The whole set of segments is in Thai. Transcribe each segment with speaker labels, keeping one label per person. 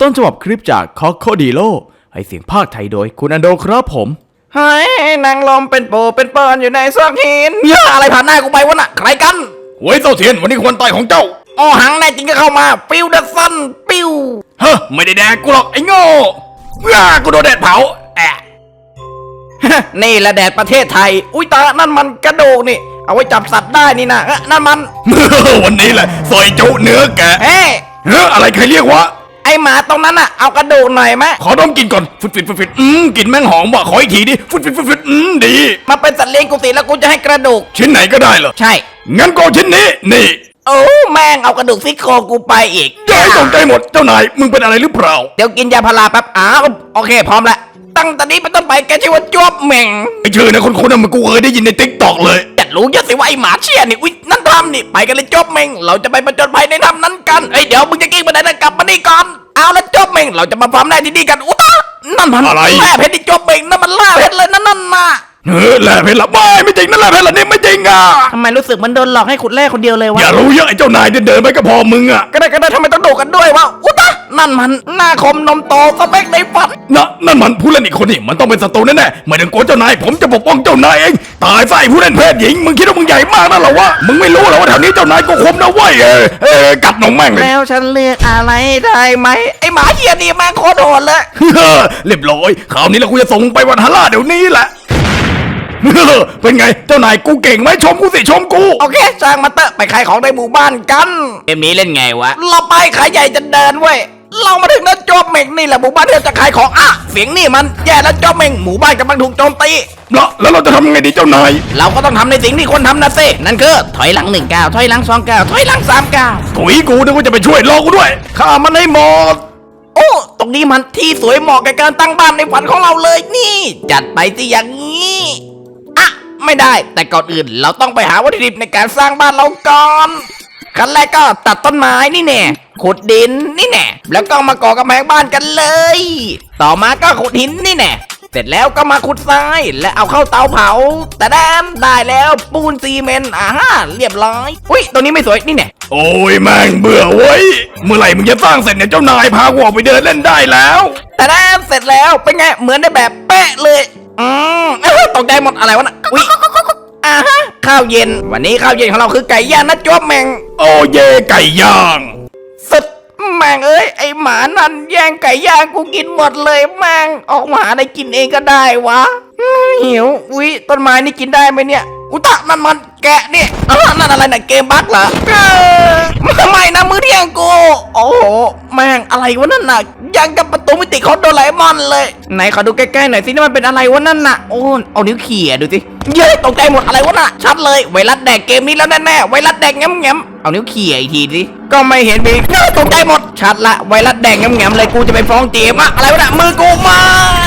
Speaker 1: ต้นฉบับคลิปจากคอโคดีโลให้เสียงภาคไทยโดยคุณอันโดครับผม
Speaker 2: เฮ้ยนางลมเป็นปูเป็นเปิลอยู่ในซอกหินย่าอะไรผ่านหน้ากูไปวะน่ะใครกัน
Speaker 1: หวยเต้าเทียนวันนี้ควรตายของเจ้า
Speaker 2: อ้อหังแน่จริงก็เข้ามาปิ้วเดอะซันปิ้ว
Speaker 1: เฮ้ไม่ได้แดกกูหรอกไอ้โง่กูโดนแดดเผาแอะ
Speaker 2: นี่แหละแดดประเทศไทยอุ้ยตานั่นมันกระดูกนี่เอาไว้จับสัตว์ได้นี่นะนั่นมัน
Speaker 1: วันนี้แหละซอยจุเนื้อแกะ
Speaker 2: เฮ้
Speaker 1: อะไรใครเรียกวะ
Speaker 2: ไอหมาตรงนั้นน่ะเอากระดูกหน่อยไหม
Speaker 1: ขอดมกินก่อนฟุดกลิ่นแม่งหอมว่ะขออีกทีดิฟุดดี
Speaker 2: มาเป็นสัตว์เลี้ยงกูสิแล้วกูจะให้กระดูก
Speaker 1: ชิ้นไหนก็ได้เหรอ
Speaker 2: ใช่
Speaker 1: งั้นก็ชิ้นนี้นี่
Speaker 2: โอ้แม่งเอากระดูกซี่โครงกูไปอีก
Speaker 1: ย้ายตกใจหมดเจ้านายมึงเป็นอะไรหรือเปล่า
Speaker 2: เดี๋ยวกินยาพาราแป๊บโอเคพร้อมแล้วตั้งแต่นี้เป็นต้นไปแกชื่อว่าจวบเหม่ง
Speaker 1: ไอชื่อนะคนๆมันกูเคยได้ยินในติ๊กต็อกเลย
Speaker 2: จัดรู้เยอะสิว่าไอหมาเชี่ยนี่อุ๊ยนั่นทำนี่ไปกันเลยจวบเหม่งเราจะไปประจนภัยในถ้ำนั้นกันเดี๋ยวมึงจะกิ้งไปไหนนะกลับมานี่ก่อนเอาละจวบเหม่งเราจะมาฟาร์มแร่ที่นี่กันอุ๊ยนั่นมัน
Speaker 1: อะไร
Speaker 2: แร่เพชรที่จวบเหม่งนั่นมันแร่เพชรเลยนั่นน่ะ
Speaker 1: แร่เพชรละไม่จริงนั่นแร่เพชรละนี่ไม่จริง
Speaker 2: ทำไมรู้สึกมันโดนหลอกให้ขุดแร่คนเดียวเลยวะ
Speaker 1: อย่ารู้เยอะไอ้เจ้านายเดินไปก็พอมึง
Speaker 2: ก็ได้ทำไมต้องดูกันด้วยวะอุ๊ยนั่นมันหน้าคมนมโตสเปคในฝัน
Speaker 1: นั่นมันผู้เล่นอีกคนนี่มันต้องเป็นศัตรูแน่ๆไม่ต้องกลัวเจ้านายผมจะปกป้องเจ้านายเองตายซะไอ้ผู้เล่นเพศหญิงมึงคิดว่ามึงใหญ่มากนั่นหรอวะมึงไม่รู้หรอว่าแถวนี้เจ้านายก็คมนะเว้ยกัดน้องแม่งเลย
Speaker 2: แล้วฉันเลือกอะไรได้ไหมไอ้หมาเหี้ยนี่แม่งโคตรโหดเลย
Speaker 1: เรียบร้อยคราวนี้เราคุยจะส่งไปวันฮาร่าเดี๋ยวนี้แหละเป็นไงเจ้านายกูเก่งไหมชมกูสิชมกู
Speaker 2: โอเคจ้างมาเตอะไปขายของในหมู่บ้านกัน
Speaker 1: เกมนี้เล่นไงวะ
Speaker 2: เราไปขายใหญ่จะเดินเว้ยเรามาถึงแล้วโจมเม่งนี่แหละหมู่บ้านที่เราจะขายของเสียงนี่มันแย่แล้วโจมเม่งหมู่บ้านกำลังถูกโจมตี
Speaker 1: แล้วเราจะทำยังไงดีเจ้านาย
Speaker 2: เราก็ต้องทำในสิ่งที่คนทำนะสินั่นคือถอยหลัง1 ก้าวถอยหลัง2 ก้าวถอยหลัง3 ก้าว
Speaker 1: ถุยกูนึกว่าจะไปช่วยรอกูด้วยข้ามันให้หมด
Speaker 2: โอ้ตรงนี้มันที่สวยเหมาะกับการตั้งบ้านในฝันของเราเลยนี่จัดไปสิอย่างนี้ไม่ได้แต่ก่อนอื่นเราต้องไปหาวัตถุดิบในการสร้างบ้านเราก่อนขั้นแรกก็ตัดต้นไม้นี่แน่ขุดดินนี่แน่แล้วก็มาก่อกำแพงบ้านกันเลยต่อมาก็ขุดหินนี่แน่เสร็จแล้วก็มาขุดทรายและเอาเข้าเตาเผาแต่ได้แล้วปูนซีเมนต์เรียบร้อยอุ้ยตัวนี้ไม่สวยนี่แน่
Speaker 1: โอ้ยแม่งเบื่อเว้ยเมื่อไหร่มึงจะสร้างเสร็จเนี่ยเจ้านายพากูออกไปเดินเล่นได้แล้ว
Speaker 2: แต่เสร็จแล้วเป็นไงเหมือนในแบบเป๊ะเลยตกใจหมดอะไรวะน่ะอุ้ยข้าวเย็นวันนี้ข้าวเย็นของเราคือไก่ย่างนะจ๊อบแมง
Speaker 1: โอ้เย่ไก่ย่าง
Speaker 2: สุดแมงเอ้ยไอหมานั่นแย่งไก่ย่างกูกินหมดเลยแมงออกมาหาได้กินเองก็ได้วะหิวอุ้ยต้นไม้นี่กินได้ไหมเนี่ยอุตะนั่นมันแกะเนี่ยนั่นอะไรน่ะเกมบั๊กเหรอไม่นะมื้อเที่ยงกูโอ้โหแม่งอะไรวะนั่นน่ะยังกับประตูมิติของโดราเอมอนเลยไหนขอดูใกล้ๆหน่อยสินี่มันเป็นอะไรวะนั่นน่ะโอ้เอานิ้วเขี่ยดูสิเย้ตกใจหมดอะไรวะน่ะชัดเลยไวรัสแดกเกมนี้แล้วแน่ๆไวรัสแดกแง้มเอานิ้วเขี่ยอีกทีสิก็ไม่เห็นมีตกใจหมดชัดละไวรัสแดกแง้มเลยกูจะไปฟ้องเจมอะไรวะน่ะมือกูไม่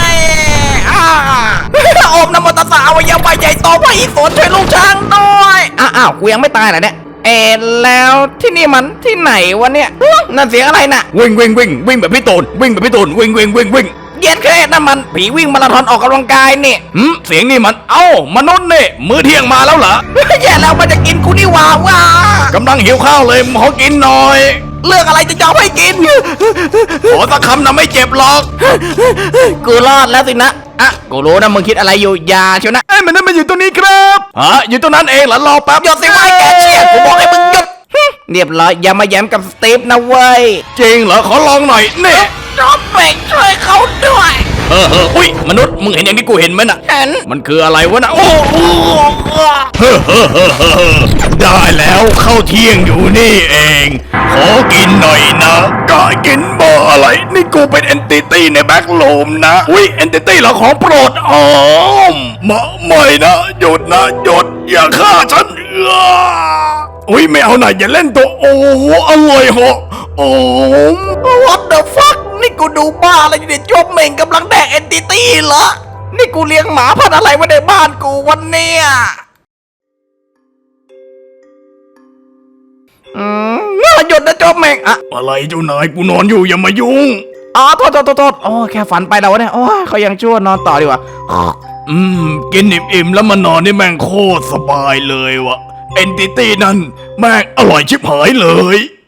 Speaker 2: โอมนโมตัสสะอวัยวะใหญ่โตพระอิศวรช่วยลูกช้างด้วยอ้าวกูยังไม่ตายเหรอเนี่ยแล้วที่นี่มันที่ไหนวะเนี่ยนั่นเสียงอะไรน่ะ
Speaker 1: วิ่งแบบพี่ตูนวิ่ง
Speaker 2: เย็นแค่นั่นมันผีวิ่งมาราธอนออกกำลังกายนี่
Speaker 1: เสียงนี่มันมนุษย์นี่มื้อเที่ยงมาแล้วเหรอ
Speaker 2: แย่แล้วมันจะกินกูนี่ว้
Speaker 1: ากำลังหิวข้าวเลยขอกินหน่อย
Speaker 2: เลือกอะไรจะยอมให้กิน
Speaker 1: ขอสักคำนะไม่เจ็บหรอก
Speaker 2: กูรอดแล้วสินะกูรู้นะมึงคิดอะไรอยู่ยาเชียวนะ
Speaker 1: มันนั่นมันอยู่ตรงนี้ครับอยู่ตรงนั้นเองเหรอรอแป๊บ
Speaker 2: หยุดสิไว้แกเชี่ยกูบอกให้มึงหยุดเรียบร้อยอย่ามาแย้มกับสตีฟนะเว้ย
Speaker 1: จริงเหรอขอลองหน่อยนี่
Speaker 2: จอมแบ่งช่วยเขาด้วย
Speaker 1: อุ้ยมนุษย์มึงเห็นอย่างที่กูเห็นไหมน่ะ
Speaker 2: เห็น
Speaker 1: มันคืออะไรวะน่ะโอ้ได้แล้วเข้าเที่ยงอยู่นี่เองขอกินหน่อยนะก็กินบ่อะไรนี่กูเป็นเอนติตี้ในแบ็คโลมนะอุ้ยเอนติตี้เหรอของโปรดไม่นะหยุดนะหยุดอย่าฆ่าฉันอุ้ยไม่เอาหน่อยอย่าเล่นตัวโอ้อร่อยเหรอ
Speaker 2: What the fuck นี่กูดูบ้าอะไรอยู่เนี่ยจบเม่งกำลังแดกเอนติตี้เหรอนี่กูเลี้ยงหมาพันธุ์อะไรไว้ในบ้านกูวันเนี้ยหยุดนะจบเม่ง
Speaker 1: อะไรเจ้านายกูนอนอยู่อย่ามายุ่ง
Speaker 2: โทษแค่ฝันไปแล้วเนี่ยเขายังชั่วนอนต่อดีกว่า
Speaker 1: กินอิ่มแล้วมานอนนี่แม่งโคตรสบายเลยวะเอนติตี้นั่นแม่งอร่อยชิบหายเลย